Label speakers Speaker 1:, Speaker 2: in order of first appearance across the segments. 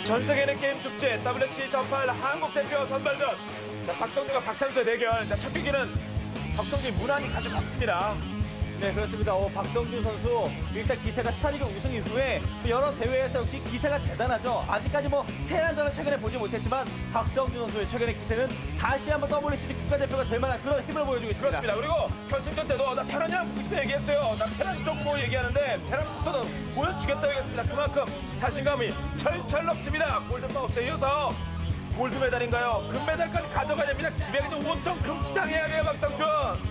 Speaker 1: 전 세계는 게임 축제 WC 전팔 한국 대표 선발전. 자, 박성준과 박찬수의 대결. 자, 첫 경기는 박성준이 무난히 가져갔습니다.
Speaker 2: 네, 그렇습니다. 박성준 선수 일단 기세가 스타리그 우승 이후에 여러 대회에서 역시 기세가 대단하죠. 아직까지 뭐 테란전을 최근에 보지 못했지만 박성준 선수의 최근의 기세는 다시 한번 WCG 국가대표가 될 만한 그런 힘을 보여주고 있습니다.
Speaker 1: 그렇습니다. 그리고 결승전 때도 나 테란이랑 그때 얘기했어요. 나 테란 쪽 뭐 얘기하는데 테란부터도 보여주겠다 얘기했습니다. 그만큼 자신감이 철철 넘칩니다. 골든마우스에 이어서 골드메달인가요? 금메달까지 가져가야 됩니다. 집에 그냥 온통 금치장 해야 돼요, 박성준.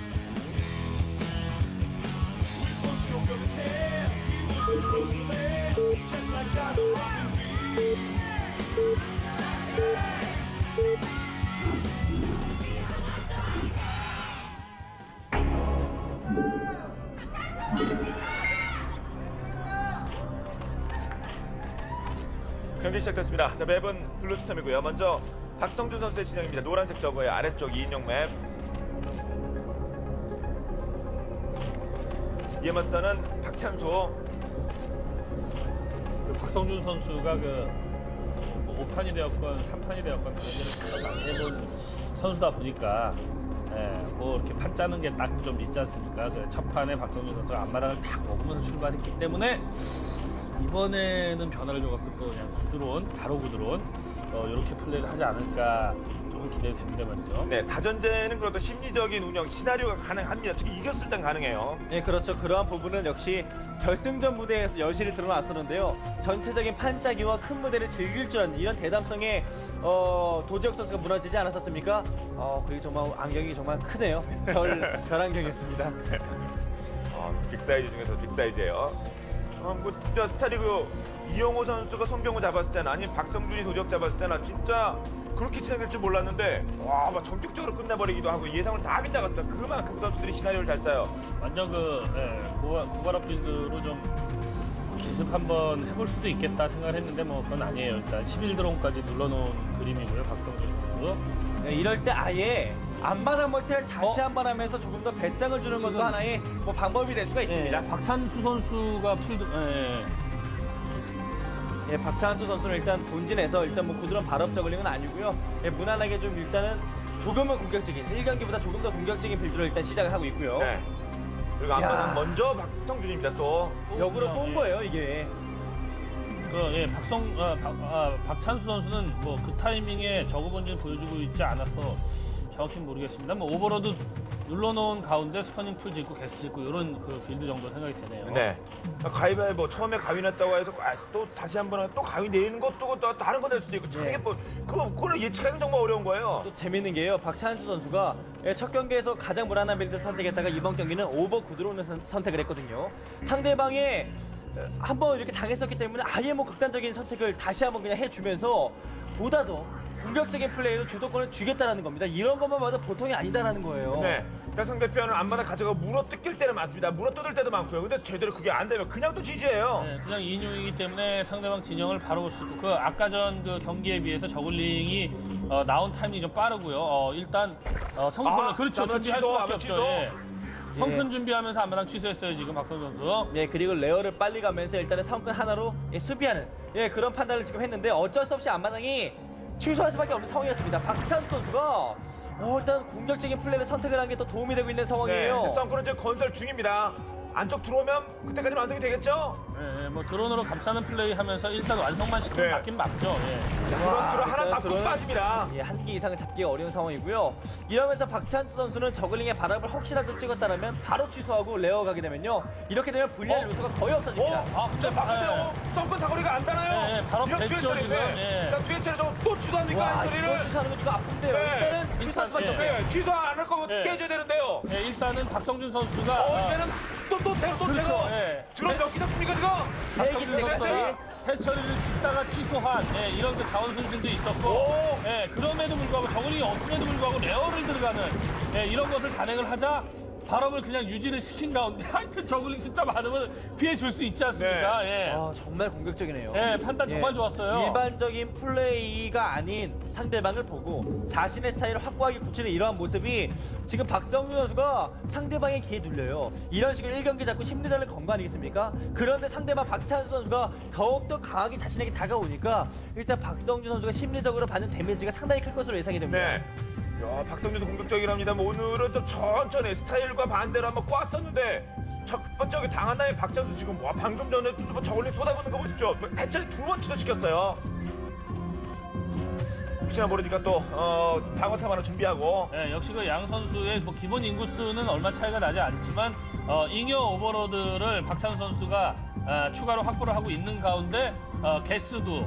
Speaker 1: 경기 시작됐습니다. 자, 맵은 블루스톰이고요. 먼저 박성준 선수의 진영입니다. 노란색 저거의 아래쪽 2인용 맵. 이에 맞서는 박찬수.
Speaker 3: 박성준 선수가 뭐 5판이 되었건 3판이 되었건 그런 데를 많이 해본 선수다 보니까 뭐 이렇게 판 짜는 게 딱 좀 있지 않습니까? 첫 판에 박성준 선수가 앞마당을 딱 먹으면서 출발했기 때문에 이번에는 변화를 줘갖고 또 그냥 바로 구드러운 이렇게 플레이를 하지 않을까 조금 기대됩니다 말이죠.
Speaker 1: 네, 다전제는 그래도 심리적인 운영, 시나리오가 가능합니다. 특히 이겼을 땐 가능해요.
Speaker 2: 네, 그렇죠. 그러한 부분은 역시 결승전 무대에서 여실히 드러났었는데요. 전체적인 판짜기와 큰 무대를 즐길 줄 아는 이런 대담성에 도지혁 선수가 무너지지 않았었습니까? 그게 정말 안경이 정말 크네요. 별안경이었습니다.
Speaker 1: 빅사이즈 중에서 빅사이즈예요. 저 스타리그 이영호 선수가 송병호 잡았을 때나 아니면 박성준이 도적 잡았을 때나 진짜 그렇게 진행될 줄 몰랐는데 와, 막 전격적으로 끝내버리기도 하고 예상을 다 빗나갔습니다. 그만큼 그 선수들이 시나리오를 잘 짜요.
Speaker 3: 완전 고발업 빌드로 좀 기습 한번 해볼 수도 있겠다 생각을 했는데 뭐 그건 아니에요. 일단 11드론까지 눌러놓은 그림이고요. 박성준 선수.
Speaker 2: 네, 이럴 때 아예 앞마당 멀티를 다시 한 번 하면서 조금 더 배짱을 주는 것도 하나의 뭐 방법이 될 수가 있습니다.
Speaker 3: 박찬수 선수가
Speaker 2: 예, 박찬수 선수는 일단 본진에서 일단 뭐 구드런 발업 저글링은 아니고요. 예, 무난하게 좀 일단은 조금은 공격적인 1경기보다 조금 더 공격적인 빌드로 일단 시작을 하고 있고요.
Speaker 1: 네. 그리고 앞마당 먼저 박성준입니다. 또
Speaker 2: 역으로 쏜 거예요 이게.
Speaker 3: 박찬수 선수는 뭐 그 타이밍에 저그 본진 보여주고 있지 않아서 정확히 모르겠습니다. 뭐 오버로드 눌러놓은 가운데 스퍼닝 풀 짓고 게스 짓고 이런 그 빌드 정도 생각이 되네요.
Speaker 1: 네. 가위바위보 처음에 가위 냈다고 해서 또 다시 한번 또 가위 내는 것도 또 다른 거 낼 수도 있고 참 뭐 그거는 예측하기 정말 어려운 거예요.
Speaker 2: 또 재밌는 게요. 박찬수 선수가 첫 경기에서 가장 무난한 빌드 선택했다가 이번 경기는 오버 구드론을 선택을 했거든요. 상대방의 한번 이렇게 당했었기 때문에 아예 뭐 극단적인 선택을 다시 한번 그냥 해주면서 보다 더 공격적인 플레이로 주도권을 쥐겠다는 겁니다. 이런 것만 봐도 보통이 아니다라는 거예요.
Speaker 1: 네. 그러니까 상대편은 앞마다 가져가 물어 뜯길 때는 많습니다. 물어 뜯을 때도 많고요. 근데 제대로 그게 안 되면 그냥 또 지지예요.
Speaker 3: 네, 그냥 2인용이기 때문에 상대방 진영을 바로 볼 수 있고 그 아까 전 그 경기에 비해서 저글링이 나온 타이밍이 좀 빠르고요. 일단 성큰 그렇죠. 준비할 수밖에 없죠. 예. 성큰 준비하면서 앞마당 취소했어요 지금 박성준 선수.
Speaker 2: 예, 그리고 레어를 빨리 가면서 일단은 성큰 하나로 수비하는 그런 판단을 지금 했는데 어쩔 수 없이 앞마당이 취소할 수밖에 없는 상황이었습니다. 박찬수 선수가 일단 공격적인 플레이를 선택을 한 게 또 도움이 되고 있는 상황이에요.
Speaker 1: 네, 썬크는 지금 건설 중입니다. 안쪽 들어오면 그때까지 완성이 되겠죠?
Speaker 3: 네, 뭐 드론으로 감싸는 플레이 하면서 일단 완성만 시키면
Speaker 1: 네.
Speaker 3: 맞긴 맞죠. 예.
Speaker 1: 드론 하나 잡고
Speaker 2: 드론은
Speaker 1: 빠집니다.
Speaker 2: 예, 한 개 이상은 잡기가 어려운 상황이고요. 이러면서 박찬수 선수는 저글링의 바람을 혹시라도 찍었다면 바로 취소하고 레어 가게 되면요. 이렇게 되면 불리할 요소가 거의 없어집니다.
Speaker 1: 자, 바깥에 썬크 사거리가 안 닿나요?
Speaker 3: 네, 바로 됐죠, 지금. 예.
Speaker 1: 자, 뒤에 차례 또 취소합니까?
Speaker 2: 와,
Speaker 1: 엔트리를?
Speaker 2: 이걸 취소하는 거 지금 아픈데요.
Speaker 1: 네.
Speaker 2: 일단은 취소할 수밖에
Speaker 3: 예.
Speaker 2: 없어요.
Speaker 1: 네, 취소 안 할 거면
Speaker 3: 네.
Speaker 1: 깨져야 되는데요.
Speaker 3: 네, 일단은 박성준 선수가
Speaker 1: 이제는 또
Speaker 3: 그렇죠. 예.
Speaker 1: 드론 몇 개 잡습니까, 지금?
Speaker 3: 박성준
Speaker 2: 네,
Speaker 3: 선수가 해처리를 짓다가 취소한 이런 그 자원 손실도 있었고 그럼에도 불구하고 저글링이 없음에도 불구하고 레어를 들어가는 이런 것을 단행을 하자 발업을 그냥 유지를 시킨 가운데 하여튼 저글링 숫자 많으면 피해 줄 수 있지 않습니까? 예.
Speaker 2: 아, 정말 공격적이네요.
Speaker 3: 예, 판단 정말 좋았어요.
Speaker 2: 일반적인 플레이가 아닌 상대방을 보고 자신의 스타일을 확고하게 굳히는 이러한 모습이 지금 박성준 선수가 상대방의 기에 눌려요. 이런 식으로 1경기 잡고 심리전을 건 거 아니겠습니까? 그런데 상대방 박찬수 선수가 더욱더 강하게 자신에게 다가오니까 일단 박성준 선수가 심리적으로 받는 데미지가 상당히 클 것으로 예상이 됩니다.
Speaker 1: 네. 야, 박성준도 공격적이랍니다. 오늘은 좀 천천히 스타일과 반대로 한번 꽈었는데 첫 번째 당한 다음에 박찬수 지금 방금 전에 저걸링 쏟아붓는 거 보십시오. 해처리 2번 취소시켰어요. 혹시나 모르니까 또 방어탑 하나 준비하고.
Speaker 3: 예, 역시 그 양 선수의 뭐 기본 인구수는 얼마 차이가 나지 않지만 잉여 오버로드를 박찬수 선수가 추가로 확보를 하고 있는 가운데 개수도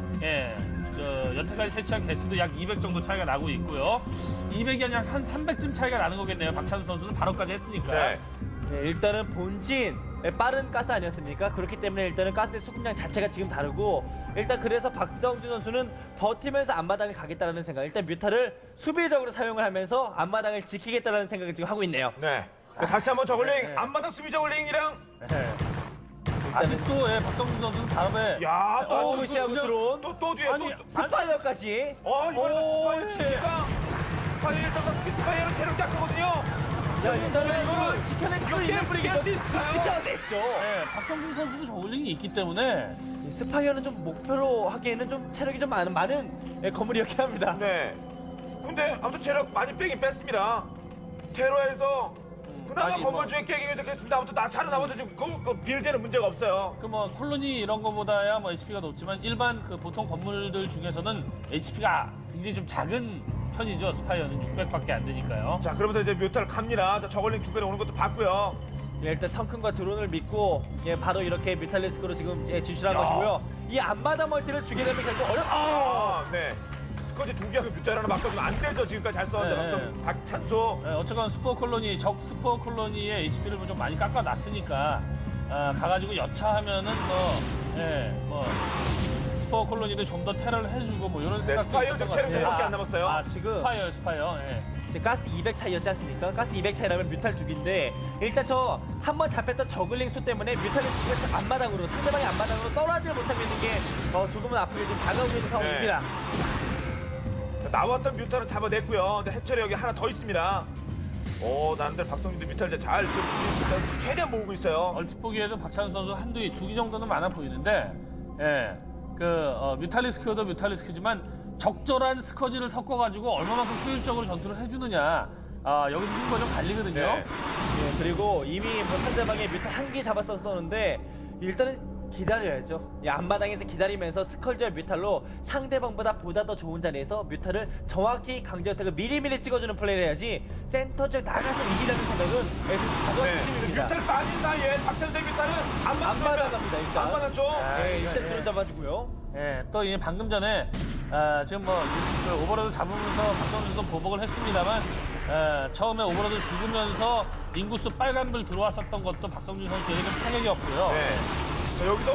Speaker 3: 여태까지 채취한 개수도 약 200 정도 차이가 나고 있고요. 200이 아니라 한 300쯤 차이가 나는 거겠네요. 박찬수 선수는 바로까지 했으니까.
Speaker 1: 네.
Speaker 2: 네, 일단은 본진 빠른 가스 아니었습니까? 그렇기 때문에 일단은 가스의 수급량 자체가 지금 다르고 일단 그래서 박성준 선수는 버티면서 앞마당을 가겠다라는 생각. 일단 뮤타를 수비적으로 사용을 하면서 앞마당을 지키겠다라는 생각을 지금 하고 있네요.
Speaker 1: 네. 다시 한번 저걸링
Speaker 3: 네.
Speaker 1: 앞마당 수비 저걸링이랑
Speaker 3: 예. 아직도 박성준 선수는 발업에
Speaker 1: 야, 또
Speaker 2: 무시하고 들어온
Speaker 1: 또 뒤에
Speaker 3: 아니,
Speaker 1: 또
Speaker 2: 스파이어까지.
Speaker 1: 이번에도
Speaker 3: 오,
Speaker 1: 스파이어가 스파이어를 체력 깎거든요.
Speaker 2: 야, 일단은 이거를 지켜낼 수 있는 분위기죠. 지켜냈죠.
Speaker 3: 예, 박성준 선수도 저울링이 있기 때문에
Speaker 2: 이 스파이어는 좀 목표로 하기에는 좀 체력이 좀 많은 건물이었긴 합니다.
Speaker 1: 네. 근데 아무튼 체력 많이 빼긴 뺐습니다. 테러에서 그나마
Speaker 3: 아니,
Speaker 1: 건물 중에 깨긴 좋겠습니다. 아무튼 나 살아남아서 지금 그 빌드에는 문제가 없어요.
Speaker 3: 그 뭐 콜로니 이런 거보다야 뭐 HP가 높지만 일반 그 보통 건물들 중에서는 HP가 굉장히 좀 작은 편이죠. 스파이어는 600밖에 안 되니까요.
Speaker 1: 자, 그러면서 이제 뮤타를 갑니다. 자, 저걸링 중간에 오는 것도 봤고요.
Speaker 2: 예, 일단 성큰과 드론을 믿고 바로 이렇게 뮤탈리스크로 지금 진출한
Speaker 1: 야.
Speaker 2: 것이고요. 이 앞마당 멀티를 주게 되면 결국
Speaker 1: 네. 스커지 두 개하고 뮤타를 하나 바꿔주면 안 되죠. 지금까지 잘 썼는데
Speaker 3: 네.
Speaker 1: 박찬수.
Speaker 3: 예, 어쨌건 스포 콜로니 적 스포 콜로니의 HP를 좀 많이 깎아놨으니까 가가지고 여차하면은 뭐 스포 콜로니를 좀 더 테러를 해주고 뭐 이런
Speaker 1: 네,
Speaker 3: 생각도
Speaker 1: 스파이어
Speaker 3: 있을
Speaker 1: 좀
Speaker 3: 것
Speaker 1: 체력
Speaker 3: 같아요.
Speaker 1: 좀밖에 안 남았어요.
Speaker 3: 지금 스파이어. 예.
Speaker 2: 이제 가스 200 차이였지 않습니까? 가스 200 차이라면 뮤탈 두 개인데 일단 저 한 번 잡혔던 저글링 수 때문에 뮤탈리스크가 앞마당으로 상대방의 앞마당으로 떨어지를 못하고 있는 게 조금은 앞으로 좀 다가오고 있는 상황입니다.
Speaker 1: 나왔던 뮤타를 잡아냈고요. 근데 해철이 여기 하나 더 있습니다. 나름대로 박성준도 뮤타를 잘 최대한 모으고 있어요.
Speaker 3: 얼핏 보기에도 박찬수 선수 두 개 정도는 많아 보이는데, 뮤탈리스크도 뮤탈리스크지만 적절한 스커지를 섞어가지고 얼마만큼 효율적으로 전투를 해주느냐, 여기서 승부가 좀 갈리거든요.
Speaker 1: 네.
Speaker 2: 예, 그리고 이미 상대방의 뮤탈 한 개 잡았었는데 일단은 기다려야죠. 앞마당에서 기다리면서 스컬지와 뮤탈로 상대방보다 더 좋은 자리에서 뮤탈을 정확히 강제어택을 미리미리 찍어주는 플레이를 해야지 센터 쪽 나가서 이기려는 생각은 가장
Speaker 1: 네.
Speaker 2: 핵심입니다.
Speaker 1: 뮤탈 빠진 사이에 박찬수의 뮤탈은
Speaker 2: 앞마당 갑니다. 일단.
Speaker 1: 앞마당 쪽.
Speaker 2: 일단 드론 잡아주고요.
Speaker 3: 또 이제 방금 전에 지금 그 오버로드 잡으면서 박성준 선수 보복을 했습니다만 처음에 오버로드 죽으면서 인구수 빨간불 들어왔었던 것도 박성준 선수에게 좀 타격이었고요.
Speaker 1: 네. 자, 여기도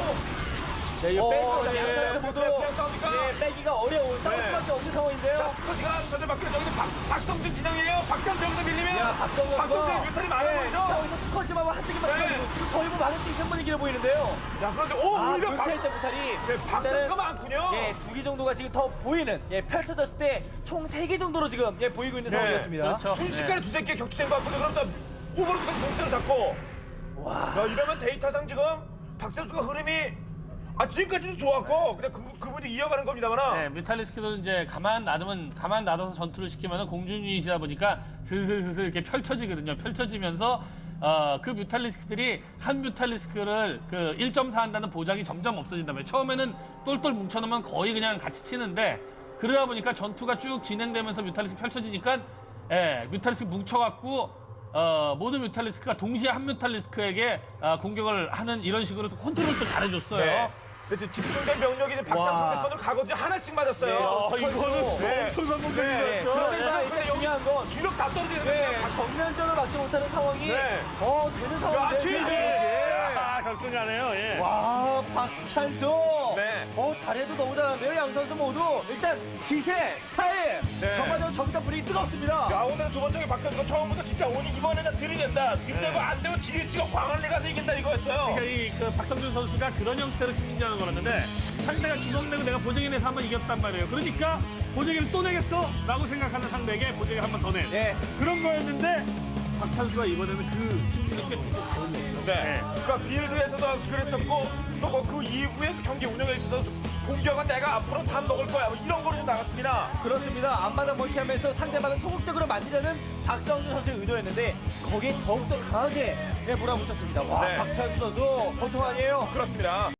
Speaker 2: 네, 이
Speaker 1: 네,
Speaker 2: 모두
Speaker 1: 그냥 싸우니까.
Speaker 2: 빼기가 어려운 싸울
Speaker 1: 네.
Speaker 2: 수밖에 없는 상황인데요.
Speaker 1: 자, 스커지가 전에 바뀌는 여기는 박성준 진영이에요. 박찬수 여기서 밀리면
Speaker 2: 야, 박성준과
Speaker 1: 박성준의 뮤탈이 많아 보이죠?
Speaker 2: 여기서 스컬지만 한 등이만
Speaker 1: 네.
Speaker 2: 쳐가지고 지금 거의 뭐 막을 수 있는 분위기로 보이는데요.
Speaker 1: 야, 그런데 오히려
Speaker 2: 뮤탈 때 뮤탈이
Speaker 1: 박찬수가 많군요.
Speaker 2: 두 개 정도가 지금 더 보이는 펼쳐졌을 때 총 3개 정도로 지금 보이고 있는
Speaker 1: 네.
Speaker 2: 상황이었습니다.
Speaker 3: 그렇죠.
Speaker 1: 순식간에 두세 개 격추된 것 같거든요. 그럼 다 오버로드까지 동태를 잡고.
Speaker 2: 와.
Speaker 1: 야, 이러면 데이터상 지금 박찬수가 흐름이 지금까지도 좋았고 그냥 그분이 이어가는 겁니다만.
Speaker 3: 뮤탈리스크도 이제 가만 놔둬서 전투를 시키면 공중 유닛이다 보니까 슬슬 이렇게 펼쳐지거든요. 펼쳐지면서 그 뮤탈리스크들이 한 뮤탈리스크를 그 1.4 한다는 보장이 점점 없어진다면 처음에는 똘똘 뭉쳐놓으면 거의 그냥 같이 치는데 그러다 보니까 전투가 쭉 진행되면서 뮤탈리스크 펼쳐지니까 뮤탈리스크 뭉쳐갖고 모든 뮤탈리스크가 동시에 한 뮤탈리스크에게 공격을 하는 이런 식으로 컨트롤도 잘해줬어요.
Speaker 1: 네. 근데 집중된 병력이 이제 박찬수 대편으로 가거든요. 하나씩 맞았어요.
Speaker 3: 이거는
Speaker 1: 네.
Speaker 3: 엄청난
Speaker 1: 네.
Speaker 3: 공격이었죠.
Speaker 2: 그러면서
Speaker 1: 네.
Speaker 2: 일단 중요한 건
Speaker 1: 주력 다 떨어지는 거예요.
Speaker 2: 정면전을 막지 못하는 상황이
Speaker 1: 네.
Speaker 2: 되는 상황인데
Speaker 1: 지지!
Speaker 3: 결승가네요. 예.
Speaker 2: 와 박찬수
Speaker 1: 네.
Speaker 2: 잘해도 너무 잘하는데요. 양 선수 모두 일단 기세, 스타일
Speaker 1: 네.
Speaker 2: 정말로 저기다 분위기 뜨겁습니다.
Speaker 1: 야, 오늘 두 번째 박성준 처음부터 진짜 오늘 이번에는 들이댄다. 들이대고 안 되고 지리치고 광안리 가서 이긴다 이거였어요.
Speaker 3: 그러니까 그 박성준 선수가 그런 형태로 승리하는 거였는데 상대가 주먹내고 내가 보정인에서 한번 이겼단 말이에요. 그러니까 보정인을 또 내겠어? 라고 생각하는 상대에게 보정인 한번 더 내.
Speaker 2: 네.
Speaker 3: 그런 거였는데 박찬수가 이번에는 그 심리를 깨뜨리고 다른 거죠.
Speaker 1: 네. 그러니까 빌드에서도 그랬었고 또 그 이후에 경기 운영에 있어서 공격은 내가 앞으로 다 먹을 거야. 뭐 이런 거로 좀 나갔습니다.
Speaker 2: 그렇습니다. 앞마당 멀티하면서 상대방을 소극적으로 만들려는 박성준 선수의 의도였는데 거기에 더욱더 강하게 몰아붙였습니다. 와,
Speaker 1: 네.
Speaker 2: 박찬수 선수 보통 아니에요.
Speaker 1: 그렇습니다.